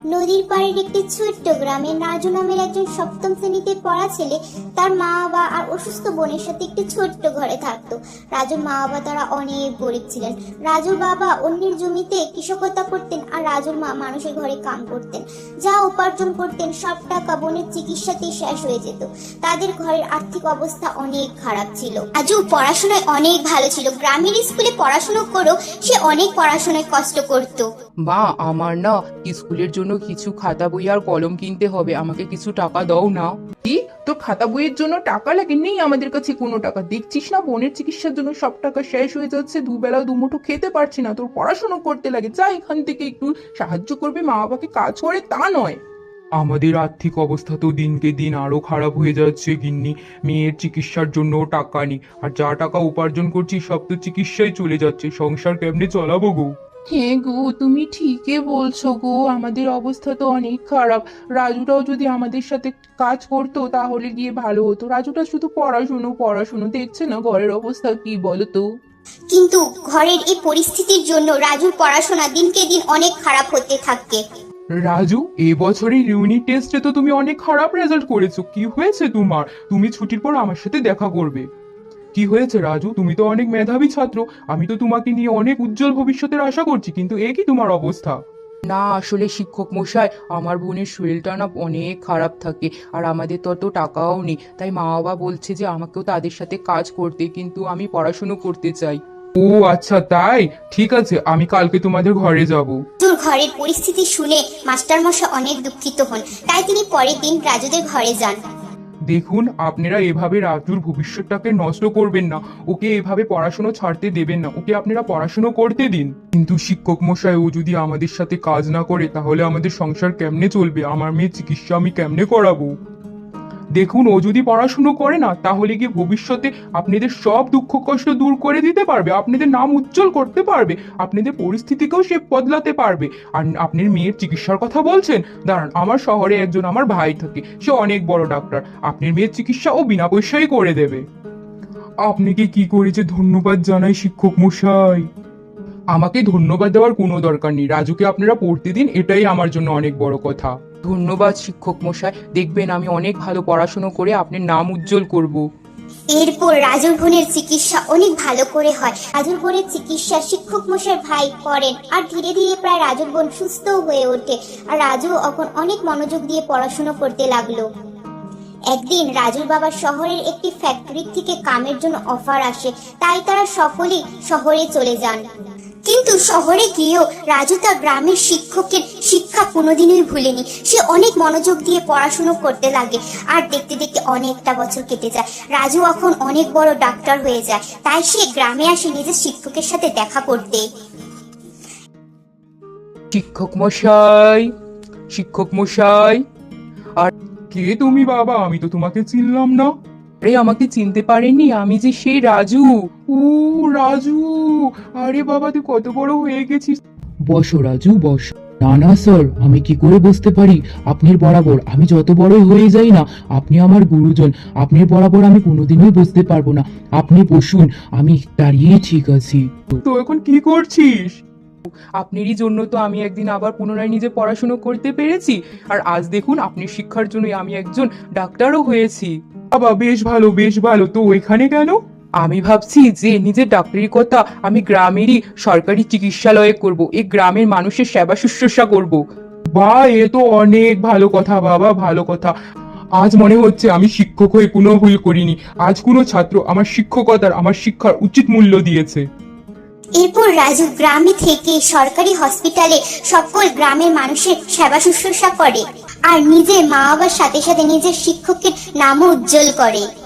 নদীর পাড়ের একটি ছোট্ট গ্রামে রাজু নামের একজন সপ্তম শ্রেণীতে পড়া ছেলে তার মা বাবা আর অসুস্থ বোনের সাথে একটি ছোট্ট ঘরে থাকতো। রাজুর মা বাবা তারা অনেক গরিব ছিলেন। রাজুর বাবা অন্যের জমিতে কৃষকতা করতেন আর রাজুর মা মানুষের ঘরে কাম করতেন। যা উপার্জন করতেন সব টাকা বোনের চিকিৎসাতেই শেষ হয়ে যেত। তাদের ঘরের আর্থিক অবস্থা অনেক খারাপ ছিল। রাজু পড়াশোনায় অনেক ভালো ছিল। গ্রামের স্কুলে পড়াশোনা করেও সে অনেক পড়াশোনায় কষ্ট করত। মা, আমার না স্কুলের জন্য কিছু খাতা বই আর কলম কিনতে হবে, আমাকে কিছু টাকা দাও না। কি, তোর খাতা বইয়ের জন্য টাকা লাগে? নেই আমাদের কাছে কোনো টাকা। দেখছিস না বোনের চিকিৎসার জন্য সব টাকা শেষ হয়ে যাচ্ছে, দুবেলা দুমুঠো খেতে পারছি না। তোর পড়াশোনা করতে লাগে, যা এখান থেকে একটু সাহায্য করবে, মা বাবাকে কাজ করে তা নয়। আমাদের আর্থিক অবস্থা তো দিনকে দিন আরো খারাপ হয়ে যাচ্ছে গিন্নি। মেয়ের চিকিৎসার জন্য টাকা নেই, আর যা টাকা উপার্জন করছি সব তো চিকিৎসায় চলে যাচ্ছে। সংসার কেমনে চালাবো গো? হ্যাঁ গো, তুমি ঠিকই বলছো গো, আমাদের অবস্থা তো অনেক খারাপ। রাজুটাও যদি আমাদের সাথে কাজ করতো তাহলে গিয়ে ভালো হতো। রাজুটা শুধু পড়াশুনো পড়াশুনো, দেখছে না ঘরের অবস্থা কি বলো তো? কিন্তু ঘরের এই পরিস্থিতির জন্য রাজুর পড়াশোনা দিনকে দিন অনেক খারাপ হতে থাকে। রাজু, এবছরের ইউনিট টেস্টে তো তুমি অনেক খারাপ রেজাল্ট করেছো। কি হয়েছে তোমার? তুমি ছুটির পর আমার সাথে দেখা করবে। কি হয়েছে রাজু? তুমি তো অনেক মেধাবী ছাত্র, আমি তো তোমাকে নিয়ে অনেক উজ্জ্বল ভবিষ্যতের আশা করছি, কিন্তু এ কি তোমার অবস্থা? না, আসলে শিক্ষক মশাই, আমার বোনের শরীরটা না অনেক খারাপ থাকে, আর আমাদের তত টাকাও নেই। তাই মা বাবা বলছে যে আমাকেও তাদের সাথে কাজ করতে, কিন্তু আমি পড়াশুনো করতে চাই। ও আচ্ছা, তাই? ঠিক আছে, আমি কালকে তোমাদের ঘরে যাব। রাজুর ঘরের পরিস্থিতি শুনে মাস্টারমশাই অনেক দুঃখিত হন। তাই তিনি পরের দিন রাজুদের ঘরে যান। দেখুন, আপনারা এভাবে রাজুর ভবিষ্যৎটাকে নষ্ট করবেন না। ওকে এভাবে পড়াশোনা ছাড়তে দেবেন না, ওকে আপনারা পড়াশোনা করতে দিন। কিন্তু শিক্ষক মশাই, ও যদি আমাদের সাথে কাজ না করে তাহলে আমাদের সংসার কেমনে চলবে? আমার মেয়ের চিকিৎসা আমি কেমনে করাবো? দেখুন, ও যদি পড়াশুনো করে না তাহলে গিয়ে ভবিষ্যতে আপনাদের সব দুঃখ কষ্ট দূর করে দিতে পারবে, আপনাদের নাম উজ্জ্বল করতে পারবে, আপনাদের পরিস্থিতিকেও সে বদলাতে পারবে। আর আপনার মেয়ের চিকিৎসার কথা বলছেন, দাঁড়ান, আমার শহরে একজন আমার ভাই থাকে, সে অনেক বড় ডাক্তার। আপনার মেয়ের চিকিৎসা ও বিনা পয়সায় করে দেবে। আপনাকে কি করে যে ধন্যবাদ জানাই শিক্ষক মশাই। আমাকে ধন্যবাদ দেওয়ার কোনো দরকার নেই, রাজুকে আপনারা পড়তে দিন, এটাই আমার জন্য অনেক বড় কথা। ধন্যবাদ শিক্ষক মশাই, দেখবেন আমি অনেক ভালো পড়াশুনো করে আপনার নাম উজ্জ্বল করব। এরপর রাজুর বোনের চিকিৎসা অনেক ভালো করে হয়। রাজুর বোনের চিকিৎসা শিক্ষক মশাই ভাই করেন, আর ধীরে ধীরে প্রায় রাজুর বোন সুস্থ হয়ে ওঠে। আর রাজু এখন অনেক মনোযোগ দিয়ে পড়াশোনা করতে লাগলো। একদিন রাজুর বাবা শহরের একটি ফ্যাক্টরি থেকে কামের জন্য অফার আসে, তাই তারা সকলেই শহরে চলে যান। কিন্তু শহরে গিয়েও রাজু তার গ্রামের শিক্ষকের শিক্ষা কোনোদিনই ভুলেনি। সে অনেক মনোযোগ দিয়ে পড়াশোনা করতে লাগে, আর দেখতে দেখতে অনেকটা বছর কেটে যায়। রাজু এখন অনেক বড় ডাক্তার হয়ে যায়, তাই সে গ্রামে আসে নিজের শিক্ষকের সাথে দেখা করতে। শিক্ষক মশাই, শিক্ষক মশাই। কে তুমি বাবা? আমি তো তোমাকে চিনলাম না। আরে, আমাকে চিনতে পারেননি? আমি যে সেই রাজু। ও রাজু, আরে বাবা, তুই কত বড় হয়ে গেছিস। বসো রাজু, বসো। না না স্যার, আমি কি করে বুঝতে পারি আপনার বরাবর? আমি যত বড়ই হয়ে যাই না, আপনি আমার গুরুজন। আপনার বরাবর আমি কোনোদিনই বুঝতে পারবো না। আপনি বসুন, আমি দাঁড়িয়ে ঠিক আছি। তো এখন কি করছিস? আপনারই জন্য তো আমি একদিন আবার পুনরায় নিজে পড়াশুনো করতে পেরেছি, আর আজ দেখুন আপনার শিক্ষার জন্য আমি একজন ডাক্তারও হয়েছি। বাবা, বেশ ভালো বেশ ভালো। তো এখানে কেন? আমি ভাবছি যে নিজের ডাক্তারি কথা আমি গ্রামেরই সরকারি চিকিৎসালয়ে করব, এই গ্রামের মানুষের সেবা শুশ্রূষা করব। বা, এ তো অনেক ভালো কথা বাবা, ভালো কথা। আজ মনে হচ্ছে আমি শিক্ষক হয়ে কোনো ভুল করিনি। আজ কোনো ছাত্র আমার শিক্ষকতার, আমার শিক্ষার উচিত মূল্য দিয়েছে। এরপর রাজু গ্রামে থেকে সরকারি হসপিটালে সকল গ্রামের মানুষের সেবা শুশ্রূষা করে, আর নিজের মা বাবার সাথে সাথে নিজের শিক্ষকের নামও উজ্জ্বল করে।